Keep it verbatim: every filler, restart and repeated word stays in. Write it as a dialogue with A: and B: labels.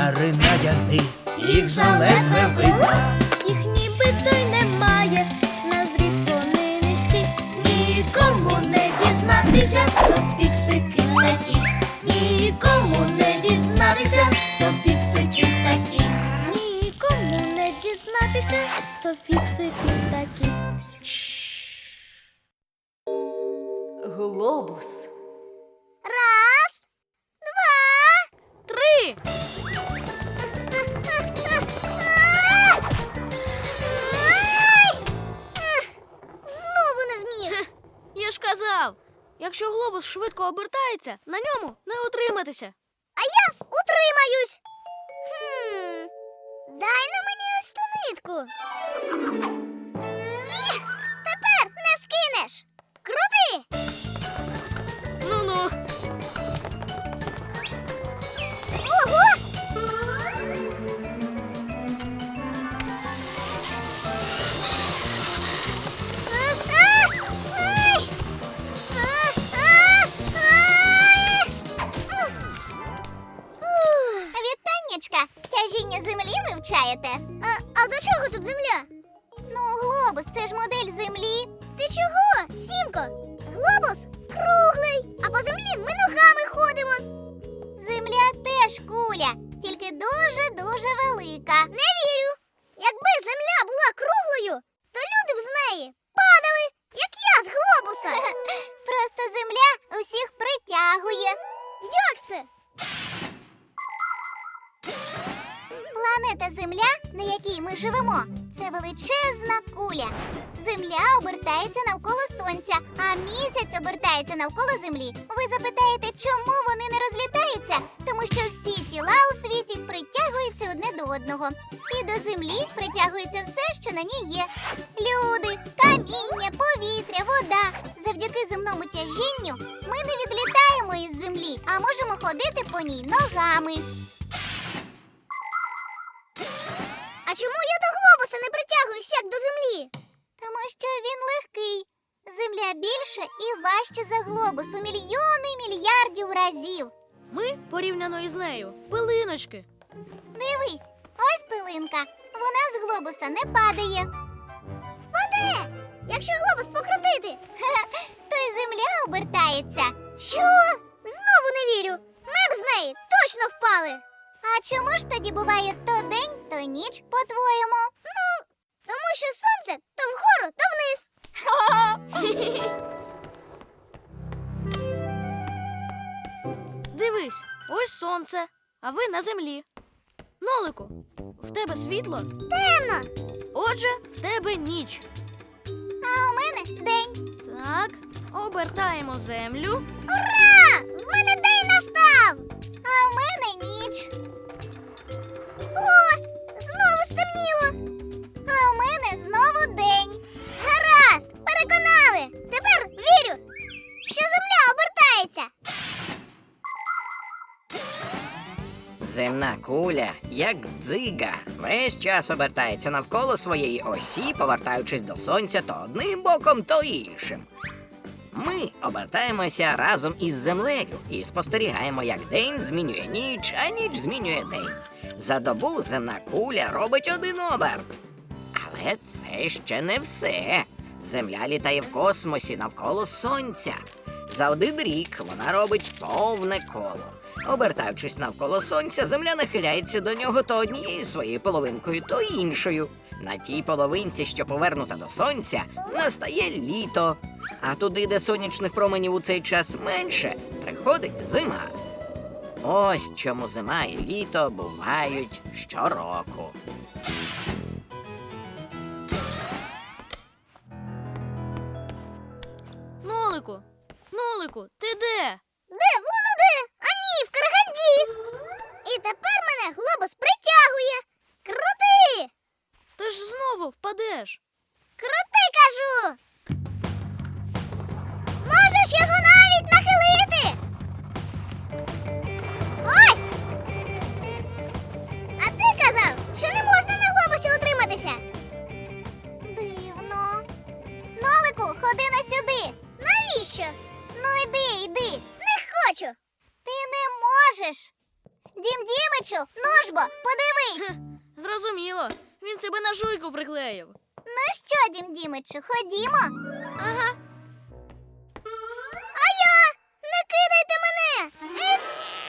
A: окуляри надягни, їх заледве видно.
B: Їх нібито й немає, на зріст вони низькі. Нікому не дізнатися, то фіксики такі. Нікому не дізнатися, то фіксики такі. Нікому не дізнатися, то фіксики такі.
C: Глобус.
B: Раз, два, три. Знову не зміг. Я ж казав, якщо глобус швидко обертається, на ньому не утриматися. А я утримаюсь. Хм, дай на мені ось ту нитку. Ех, тепер не скинеш. Крути! Ну-ну. Ого! Вітаннячка, тяжіння землі вивчаєте? А, а до чого тут земля? Ну, глобус, це ж модель землі. Ти чого, Сімко? Глобус круглий, а по землі ми ногами ходимо. Земля теж куля, тільки дуже-дуже велика. Не вірю. Якби земля була круглою, то люди б з неї падали, як я з глобуса. Просто земля усіх притягує. Як це? Планета Земля, на якій ми живемо, це величезна куля. Земля обертається навколо Сонця, а місяць обертається навколо Землі. Ви запитаєте, чому вони не розлітаються? Тому що всі тіла у світі притягуються одне до одного. І до Землі притягується все, що на ній є. Люди, каміння, повітря, вода. Завдяки земному тяжінню ми не відлітаємо із Землі, а можемо ходити по ній ногами. А чому я до глобуса не притягуюсь, як до землі? Тому що він легкий. Земля більша і важче за глобус у мільйони мільярдів разів.
D: Ми, порівняно із нею, пилиночки.
B: Дивись, ось пилинка. Вона з глобуса не падає. Впаде, якщо глобус покрутити. То й земля обертається. Що? Знову не вірю. Ми б з неї точно впали. А чому ж тоді буває то день, то ніч, по-твоєму? Ну, тому що сонце то вгору, то вниз.
D: Дивись, ось сонце, а ви на землі. Нолику, в тебе світло?
B: Темно.
D: Отже, в тебе ніч.
B: А у мене день.
D: Так, обертаємо землю.
B: Ура! В мене день настав! А в мене ніч. О, знову стемніло. А в мене знову день. Гаразд, переконали. Тепер вірю, що земля обертається.
E: Земна куля, як дзига, весь час обертається навколо своєї осі, повертаючись до сонця то одним боком, то іншим. Ми обертаємося разом із землею і спостерігаємо, як день змінює ніч, а ніч змінює день. За добу земна куля робить один оберт. Але це ще не все. Земля літає в космосі навколо сонця. За один рік вона робить повне коло. Обертаючись навколо сонця, земля нахиляється до нього то однією своєю половинкою, то іншою. На тій половинці, що повернута до сонця, настає літо. А туди, де сонячних променів у цей час менше, приходить зима. Ось чому зима і літо бувають щороку.
D: Нолику, Нолику, ти де?
B: Де? Воно де? А ні, в Караганді. І тепер мене глобус притягує. Крути!
D: Ти ж знову впадеш.
B: Крути, кажу! Можеш його навіть нахилити. Ось! А ти казав, що не можна на глобусі утриматися. Дивно. Нолику, ходи на сюди. Навіщо? Ну йди, йди. Не хочу. Ти не можеш. Дім Дімичу, ну ж бо, подивись.
D: Зрозуміло. Він себе на жуйку приклеїв.
B: Ну що, Дім Дімичу, ходімо.
D: Ага.
B: А я? Не кидайте мене! Е,